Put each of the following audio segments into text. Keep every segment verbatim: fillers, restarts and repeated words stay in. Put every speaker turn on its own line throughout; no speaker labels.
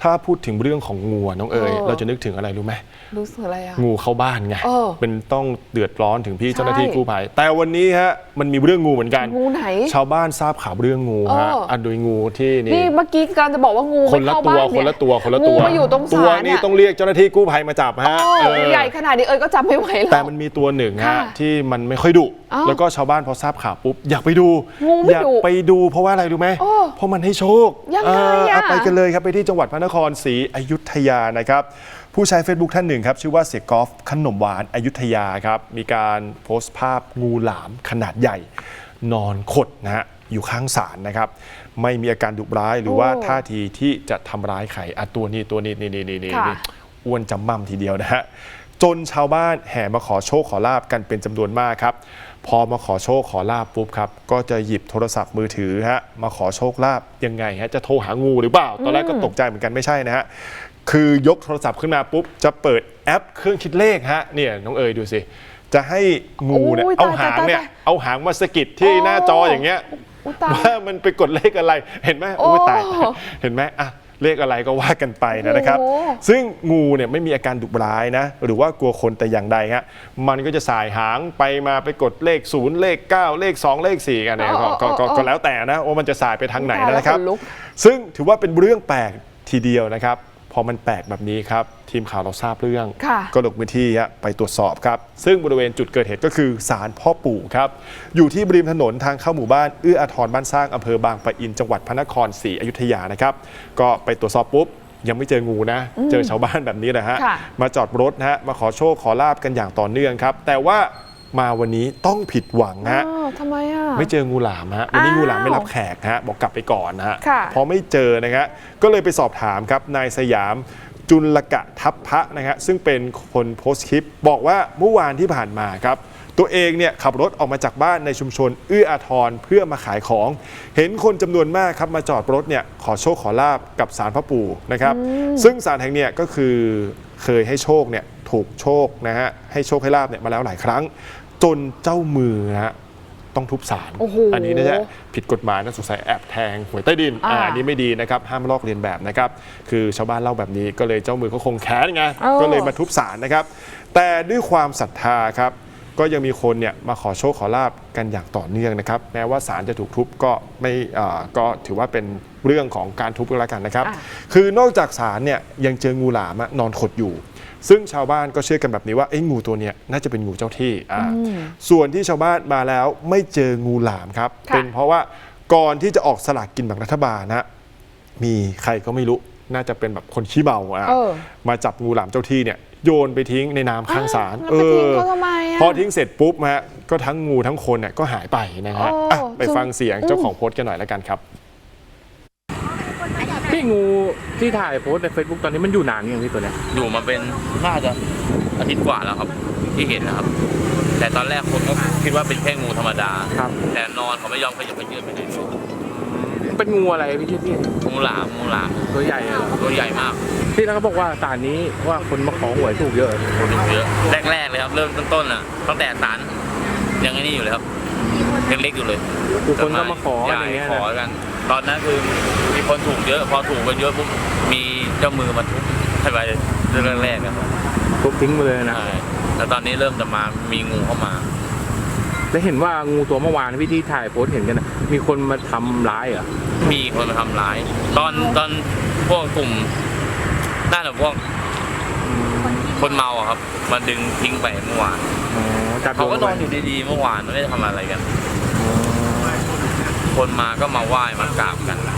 ถ้าพูดถึงเรื่องของงูน้องเอ๋ยเราจะนึกถึงอะไรรู้ไหม
รู้สึกอะไรอะ
งูเข้าบ้านไงเป็นต้องเดือดร้อนถึงพี่เจ้าหน้าที่กู้ภัยแต่วันนี้ฮะมันมีเรื่องงูเหมือนกัน
งูไหน
ชาวบ้านทราบข่าวเรื่องงูฮะอันโดยงูที่นี่
นี่เมื่อกี้กำลังจะบอกว่างู
คนละตัวคนละตัวคนละตัว
มาอยู่ตรงศาล
ตัวนี้ต้องเรียกเจ้าหน้าที่กู้ภัยมาจับฮะ
ใหญ่ขนาดนี้เอ๋ยก็จำไม่ไหวแล้ว
แต่มันมีตัวหนึ่งฮะที่มันไม่ค่อยดุแล้วก็ชาวบ้านพอทราบข่าวปุ๊บอยากไปดูอยากไปดูเพราะว่าอะไรรู้ไหมเพราะมันให้โชคไปกันเลยครับไปที่จังหวัดพระนครศรีอยุธยานะครับผู้ใช้ Facebook ท่านหนึ่งครับชื่อว่าเสียกอล์ฟขนมหวานอยุธยาครับมีการโพสต์ภาพงูหลามขนาดใหญ่นอนขดนะฮะอยู่ข้างศาลนะครับไม่มีอาการดุร้ายหรือว่าท่าทีที่จะทำร้ายใครอ่ะตัวนี้ตัวนี้นี่นี่นี่นี่อ้วนจำมั่มทีเดียวนะฮะจนชาวบ้านแห่มาขอโชคขอลาบกันเป็นจำนวนมากครับพอมาขอโชคขอลาบปุ๊บครับก็จะหยิบโทรศัพท์มือถือฮะมาขอโชคลาบยังไงฮะจะโทรหางูหรือเปล่าตอนแรกก็ตกใจเหมือนกันไม่ใช่นะฮะคือยกโทรศัพท์ขึ้นมาปุ๊บจะเปิดแอปเครื่องคิดเลขฮะเนี่ยน้องเอ๋ยดูสิจะให้งูเนี่ยเอาหางเนี่ยเอาหางมาสะกิดที่หน้าจออย่างเงี้ยว่ามันไปกดเลขอะไรเห็นไหมโอ้ตายเห็นไหมอ่ะเลขอะไรก็ว่ากันไปนะครับซึ่งงูเนี่ยไม่มีอาการดุร้ายนะหรือว่ากลัวคนแต่อย่างใดฮะมันก็จะสายหางไปมาไปกดเลขศูนย์เลขเก้าเลขสองเลขสี่กันเนี่ยก็แล้วแต่นะว่ามันจะสายไปทางไหนนะครับซึ่งถือว่าเป็นเรื่องแปลกทีเดียวนะครับพอมันแปลกแบบนี้ครับทีมข่าวเราทราบเรื่องก็ลงพื้นที่ไปตรวจสอบครับซึ่งบริเวณจุดเกิดเหตุก็คือศาลพ่อปู่ครับอยู่ที่ริมถนนทางเข้าหมู่บ้านเอื้ออาทรบ้านสร้างอำเภอบางปะอินจังหวัดพระนครศรีอยุธยานะครับก็ไปตรวจสอบปุ๊บยังไม่เจองูนะเจอชาวบ้านแบบนี้นะฮะมาจอดรถนะฮะมาขอโชคขอลาบกันอย่างต่อเนื่องครับแต่ว่ามาวันนี้ต้องผิดหวังฮะ
ทำไมอ่ะ
ไม่เจองูหลามฮะวันนี้งูหลามไม่รับแขกฮะบอกกลับไปก่อนนะฮะพอไม่เจอนะฮะก็เลยไปสอบถามครับนายสยามจุลกะทัพพระนะฮะซึ่งเป็นคนโพสต์คลิปบอกว่าเมื่อวานที่ผ่านมาครับตัวเองเนี่ยขับรถออกมาจากบ้านในชุมชนเอื้ออาทรเพื่อมาขายของเห็นคนจำนวนมากครับมาจอดรถเนี่ยขอโชคขอลาบกับศาลพระปู่นะครับซึ่งศาลแห่งเนี่ยก็คือเคยให้โชคเนี่ยถูกโชคนะฮะให้โชคให้ลาบเนี่ยมาแล้วหลายครั้งจนเจ้ามือฮะต้องทุบศาล อ, อันนี้นะฮะผิดกฎหมายนะสงสัยแอบแทงหวยใต้ดิน อ, อันนี้ไม่ดีนะครับห้ามลอกเลียนแบบนะครับคือชาวบ้านเล่าแบบนี้ก็เลยเจ้ามือเขาคงแค้นไงก็เลยมาทุบศาลนะครับแต่ด้วยความศรัทธาครับก็ยังมีคนเนี่ยมาขอโชคขอลาบกันอย่างต่อเนื่องนะครับแม้ว่าศาลจะถูกทุบก็ไม่ก็ถือว่าเป็นเรื่องของการทุบก็แล้วกันนะครับคือนอกจากศาลเนี่ยยังเจองูหลามนอนขดอยู่ซึ่งชาวบ้านก็เชื่อกันแบบนี้ว่าไอ้งูตัวนี้น่าจะเป็นงูเจ้าที่อ่าส่วนที่ชาวบ้านมาแล้วไม่เจองูหลามครับเป็นเพราะว่าก่อนที่จะออกสลากกินแบ่งรัฐบาลนะมีใครก็ไม่รู้น่าจะเป็นแบบคนขี้เมาอ่ะมาจับงูหลามเจ้าที่เนี่ยโยนไปทิ้งในน้ำข้างศาลเออพอทิ้งเสร็จปุ๊บฮะก็ทั้งงูทั้งคนเนี่ยก็หายไปนะฮะไปฟังเสียงเจ้าของโพสต์กันหน่อยแล้วกันครับ
พี่งูที่ถ่ายโพสใน Facebook ตอนนี้มันอยู่นานยังพี่ตัวเนี้ย
อยู่มาเป็นน่าจะอาทิตย์กว่าแล้วครับที่เห็นนะครับแต่ตอนแรกคนก็คิดว่าเป็นแค่งูธรรมดาครับแต่นอนเขาไม่ยอมขยับไปยืนไปไหนเลย
เป็นงูอะไรพี่พี่
งูหลามงูหลาม
ตัวใหญ่เหรอ
ตัวใหญ่มาก
พี่แล้วเขาบอกว่าศาลนี้ว่าคนมาขอหวยถูกเยอะ
ถูกเยอะแรกๆเลยครับเริ่มต้นๆอ่ะตั้งแต่ศาลยังไงนี่อยู่เลยครับยังเล็กอยู่เลย
ทุกคนก็มาขออย่างเงี้ย
ขอกันตอนนั้นคือมีคนถูกเยอะพอถูกกันเยอะปุ๊บมีเจ้ามือมาทุบให้ไปเรื่องแรกๆครับ
ทุบทิ้งไปเลยนะ
แล้วตอนนี้เริ่มจะมามีงูเข้ามา
แล้วเห็นว่างูตัวเมื่อวานพี่ที่ถ่ายโพสเห็นกันนะมีคนมาทำร้ายเหรอ
มีคนมาทำร้ายตอนตอนพวกกลุ่มน่าจะพวกคนเมาอะครับมาดึงทิ้งไปเมื่อวานเขาก็นอนอยู่ดีๆเมื่อวานไม่ได้ทำอะไรกันคนมาก็มาไหว้มากราบกัน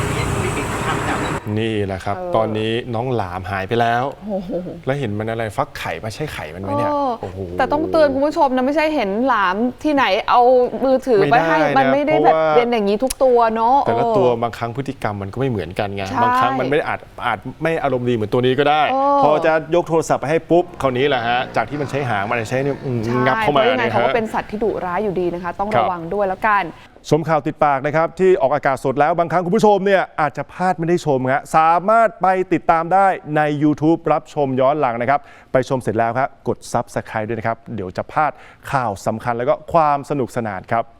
นี่แหละครับตอนนี้น้องหลามหายไปแล้วแล้วเห็นมันอะไรฟักไข่มาใช่ไข่มันไหมเนี่ย
แต่ต้องเตือนคุณผู้ชมนะไม่ใช่เห็นหลามที่ไหนเอามือถือไปให้มันไม่ได้แบบเป็นอย่างนี้ทุกตัวเนาะ
แต่ละตัวบางครั้งพฤติกรรมมันก็ไม่เหมือนกันไงบางครั้งมันไม่อาจอาจไม่อารมณ์ดีเหมือนตัวนี้ก็ได้พอจะยกโทรศัพท์ไปให้ปุ๊บคราวนี้แหละฮะจากที่มันใช้หางมันใช้เนี่ยงับเข้ามา
เนี่ยเขาก็เป็นสัตว์ที่ดุร้ายอยู่ดีนะคะต้องระวังด้วยแล้วกัน
ชมข่าวติดปากนะครับที่ออกอากาศสดแล้วบางครั้งคุณผู้ชมเนี่ยอาจจะพลาดไม่ได้ชมครับสามารถไปติดตามได้ใน YouTube รับชมย้อนหลังนะครับไปชมเสร็จแล้วครับกด ซับสไครบ์ ด้วยนะครับเดี๋ยวจะพลาดข่าวสำคัญแล้วก็ความสนุกสนานครับ